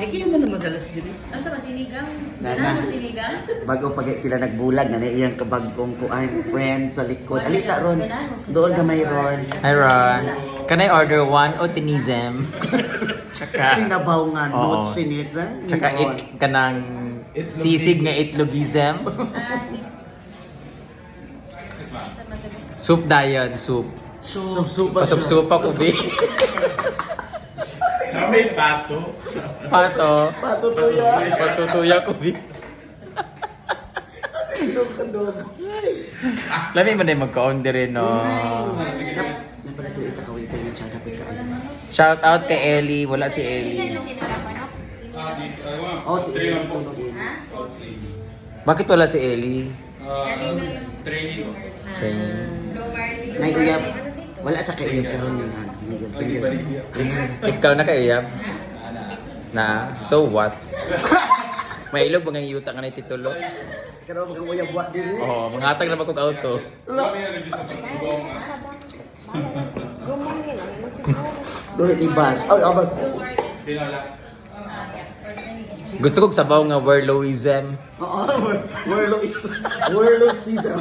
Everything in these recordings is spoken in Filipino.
Kaya mo na madalas din. Ano sa sinigang? Nana. Ano sinigang? Bago pag sila nagbulag na iyang kabagong kuan friend sa likod. Alisa Ron. Doon gamay Ron. Hi Ron. Can I order one otinism? Tsaka Sinabaw nga Oo. notes sinisa. tsaka kanang sisig nga itlogism. Soup dayon, soup. Sup-supa. Pasup-supa ko bi. Kami pato. Pato. Patutuya. Patutuya ko bi. Kadog-kadog. Lami man ay magka-order rin, no. Napala sila isa kawaiter ng tsaka dapat kaayo. Shout out kay Ellie. Wala si Ellie. Oh, si Eri tunogin. Bakit wala si Ellie? Training. Training. Naiyap. Wala sa kaiyap karon nga. Ikaw na kaiyab? Na? So what? May ilog mga yuta nga na ititulo? Karon mga uyab wa diri. Oo, mangatag na ba kong auto? Doon ibas. Ay, abas. Gusto kong sabaw nga Werloism. Oo, Werlo is Werlo season.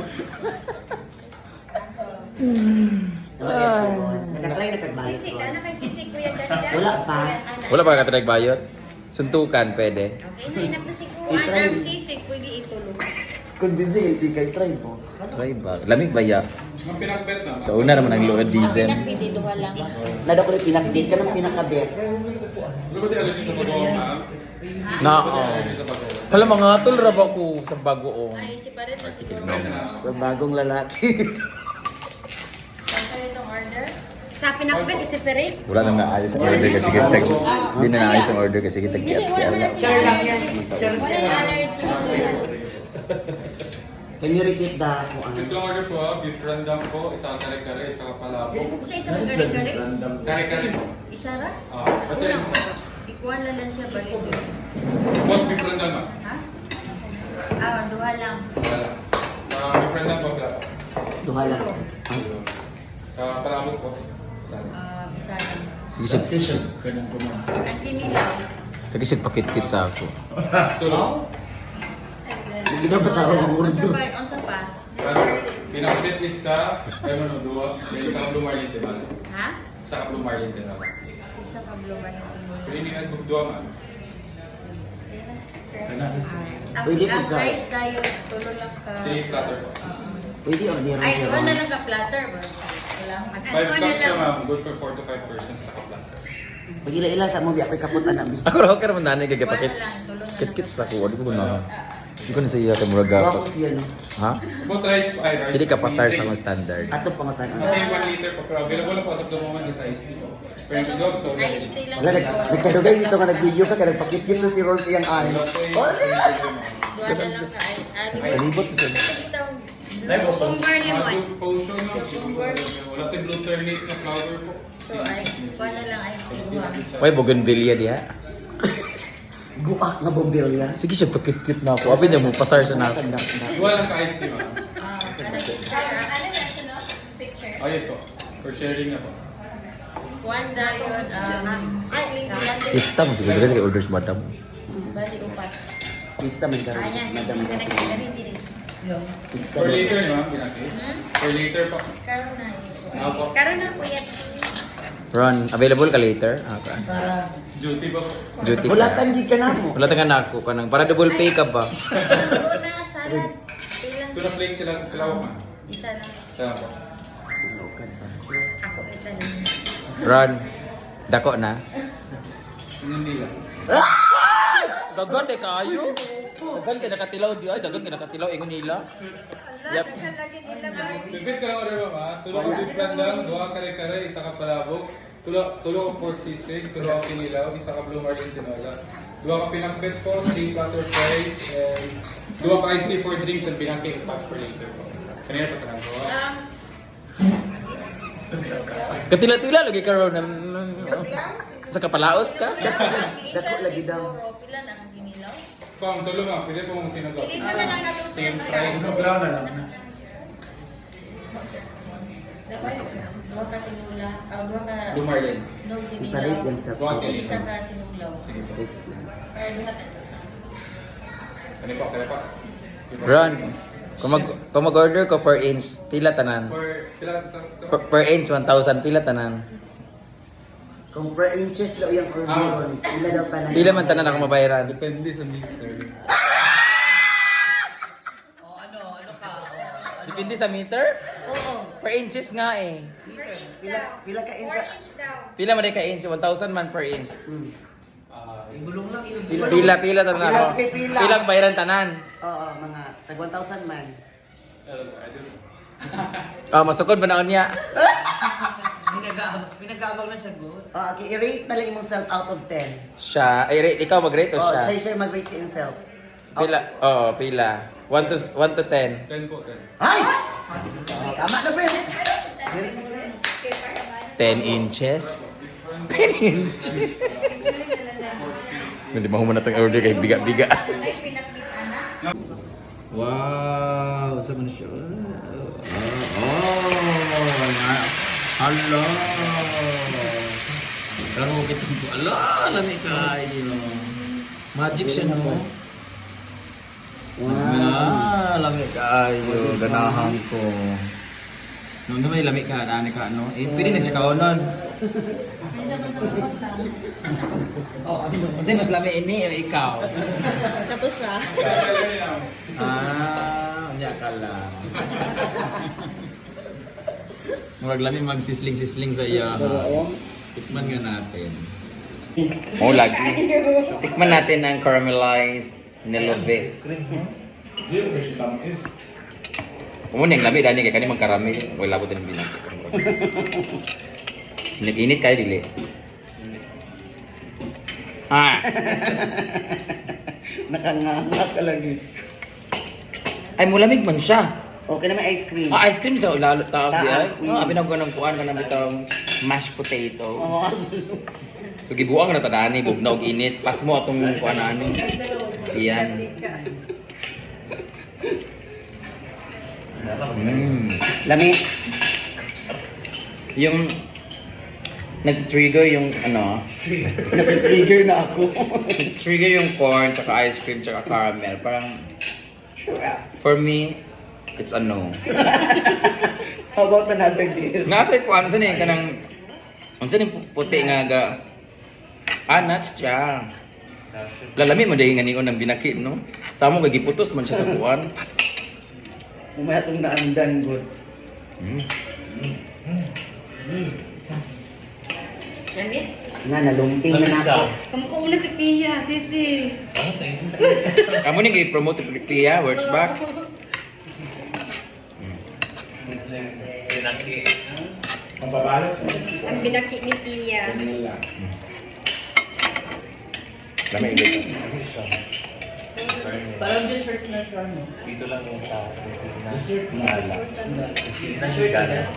Nakatry na kagbayot Sisig, ko. ano kay sisig kuya Dada? Wala pa. Wala pa ka bayot? Suntukan, pwede. Okay, nainap na si kuya. I-try. Ang sisig, pwede itulog. Convincing yung chika, try mo. Try ba? Lamig ba ya? Ang pinagbet na. Sa una naman ang loadism. Pwede duha lang. Nada ko rin pinakbit ka ng pinakabet. Ano ba di allergy sa bagoong na? Na, Hala, mga tol rab ako sa bagoong. Ay, si Paret na siguro. Sa bagong lalaki. Saan itong order? Sa pinakbet, isiperate. Wala nang naayos ang order kasi kita Hindi na naayos ang order kasi kita kiyat kaya lang. Walang allergy. Can you repeat the kuan? Simple order po beef rendang po, isang kare-kare, isang palabo. Siya isang kare-kare? Kare-kare po. Isa ra? What's your name? Ikuha na lang siya ba ito? What beef rendang ma? Ha? Ah, duha lang. Wala. Beef rendang po, wala po. Duha lang. Ay, Palabo po. Isa. Isa lang. Sige siya. Ang kinilaw. Sige siya pakit-kit sa ako. Tulong. hindi na matawag ang Unsa urdo. pa? Unsa pa? Pinakbet is sa, ano, duwa. May isang blue marlin, di ba? Ha? Isa ka blue marlin, di ba? Isa ka blue ba Pero hindi nga nagdugdua ma. Pwede Ang pagka- price tayo, tulo lang ka. 3 platter po. Pwede o, di Ay, siya. duha na lang ka platter ba? Wala. 5 cups siya ma'am. Good for 4 to 5 persons sa platter. Pag ila-ila sa mo, biya ko'y kaputan namin. Ako raw ka naman nanay Wala gagapakit. lang, tulo na lang. Kit-kit sa ako. Hindi ko na. Hindi ko na sa iya ka murag Duha ako. ko siya, no? Ha? Both rice, ay rice. Hindi ka pasar sa mga standard. Ato pangutan. Okay, 1 liter po. Pero available na po as of the moment is iced tea po. Pero yung dog, so Ay, stay lang. Wala, nagkadugay dito nga nag-video ka, kaya nagpakit-kit na si Ron sa iyang ay. Duha na lang ka. Ay, Palibot ko. Cucumber ni mo. Magic potion no? Wala tayong blue ternate na flower po. So, ay, duha na lang ay Iced tea duha. natin siya. Uy, bougainvillea diha. Guak na bombilya. Sige siya pakit-kit na ako. Abi na mo pasar sa na. Duwa lang ka-iced tea ma'am. Picture. Oh yes po. For sharing na po. One dayon, sisling platter. Pista mo siguro kasi kay orders madam. Bali, upat. Pista man karon. Ayan, Madam. sisig ka na diri. Pista. For later ni ma'am, pinaki. For later po. Karon na. Ako. Karon na kuya. Ron, available ka later? Ah, ka. Duty po. Duty Hulatan ka. gid ka na mo. Wala taga na ako kanang para double pay ka ba? Doon na, salad. Ilang? Tuna flakes sila kalaw ma'am. Isa lang. Sana po. Lukan pa. Ako ito na. Ron, dako na. Hindi lang. Dagan eh kayo. Dagan ka nakatilaw di ay dagan ka nakatilaw ingon nila. Yep. Sipit ka lang order ma'am ha. Tulo ka beef rendang, duha kare-kare, isa ka palabok. Tulo ka pork sisig, tulo ka kinilaw, isa ka blue marlin tinola. Duha ka pinakbet po, 3 platter fries, and duha ka iced tea for drinks and pinaki pack for later po. Kanina pa tanong ko. Katila-tila lagi ka ron. Sa kapalaos ka? Dako lagi daw. Pila na ang ginilaw? Pang, tulo ma'am. Pwede po mong sinagaw. Ilisa na lang natin sa Same mga price. Dua ka tinula. Dua ka... Blue marlin. No, Iparit yan ginilaw. sa Duha ka Isa ka sinula. kinilaw. Sige po. Or lahat na. Kani pa. Ron, kung mag-order ko per inch, pila tanan? Pila sa... Per inch, 1,000, pila tanan? Kung per inches daw yung order, pila daw tanan. Pila man tanan ako mabayaran? Depende sa meter. Depende sa meter? Oo. Per inches nga eh. Pila ka inches? Pila man ka inch? 1,000 man per inch. Pila. Pila tanan ako. Pila, okay, pila. Pila ang bayaran tanan? Oo, mga tag 1,000 man. I don't know. Masukod ba na niya? Pinagabang na sagot. Okay, i-rate na lang yung self out of 10. Siya, ikaw mag-rate o Oh, siya? siya mag-rate siya himself. Pila? Pila. 1 to 10. 10 po, 10. Ay! Tama na, pre. 10 inches? 10 inches? Hindi mo na itong order kay biga-biga. Like, pinakita na. Wow! Saan man siya? Hello! Pero kitang ko, lami kayo. Magic siya no? Lami kayo. Ganahan ko. Nung may lami ka, dani ka, ano? Pwede na siya kaunon. Kasi mas lami ini, ikaw. Tapos siya. Unya ka lang. Murag lami magsisling-sisling sa iya. Tikman nga natin. Oh, lagi. Tikman natin ang caramelized nilove. Kumun yang lami dani kay kani magkaramel. Wala labot din bilang. Init kayo dili. Nakanganga ka lagi. Ay mulamig man siya. Okay na may ice cream. Ice cream sa taas di ay. Mm. Abi na ko nang kuan ka na bitong mashed potato. Oo. So gibuang na tadani bugnaw og init. Pas mo atong kuan ani. Iyan. Lami. Yung nag-trigger yung ano, Nag-trigger na ako. trigger yung corn, tsaka ice cream, tsaka caramel. Parang, for me, it's a no. How about another deal? Nasa ko, ano saan yung kanang, ano saan yung puti nga ga, nuts siya. Lalami mo dahil nga ningon ng binakit, no? Sa mo, gagiputos man siya sa kuwan. Umaya itong naandan, good. Nga, nalumping na ako. Kamu ko muna si Pia, sisi. Kamu ni gay-promote Pia, works back. Ang binaki ni Pia. Lami ulit. Parang dessert na siya, no? Dito lang yung sa kusina. Dessert na ala. Kusina siya gana.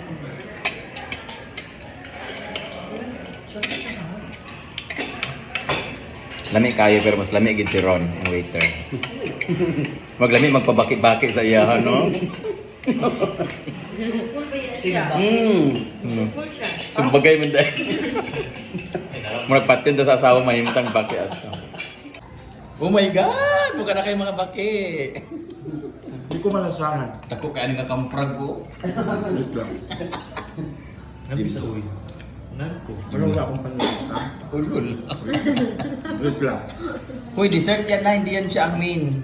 Lami kayo pero mas lami gid si Ron, ang waiter. Maglami magpabaki-baki sa iya, no? Cool ba yan siya? Cool siya. Sumbagay man dahil. Murag patin to sa asawa mahimtang baki ato. Oh my God! Buka na kayo mga baki. Hindi ko malasahan. Dako ka nga kamprag ko. Wait lang. Nabi sa uwi. Nanko. Ano wala akong panlasa? Ulul. Wait lang. Uy, dessert yan na, hindi yan siya ang main.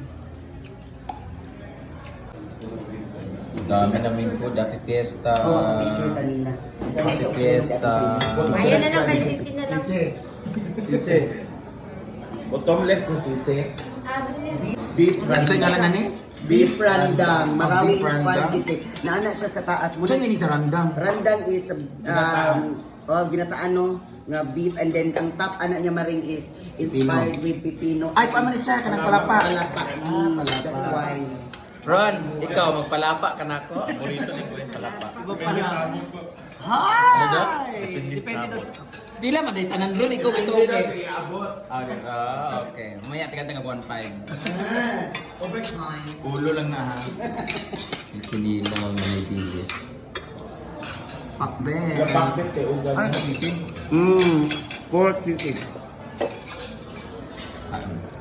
Dami namin po, dati fiesta. Oo, picture kanina. Dati fiesta. Ayan na lang kay sisi na lang. Sisi. Sisi. Bottomless na sisi. Beef Ano sa'yo ngalan na ni? Beef randang. Maraming Beef randang. inspired dito. Naana siya sa taas. Ano sa'yo nga sa randang? Randang is ginataan no nga beef, and then ang top anak niya maring is inspired with pipino. Ay, paano ni siya? Kanang palapa. Palapa. That's why. Ron, ikaw, magpalapa ka na ako. Paborito ni ko yung palapa. Iba pala. Ano daw? Depende daw sa... Pila man, dahil tanan ron, ikaw ito okay. Iabot. Okay. Mamaya, tika-tika 1.5. Overtime. Ulo lang na ha. Kinilaw na may bilis. Pakbet. Kapakbet kay Ugan. Ano ito, Sisi? Pork sisig. Kain.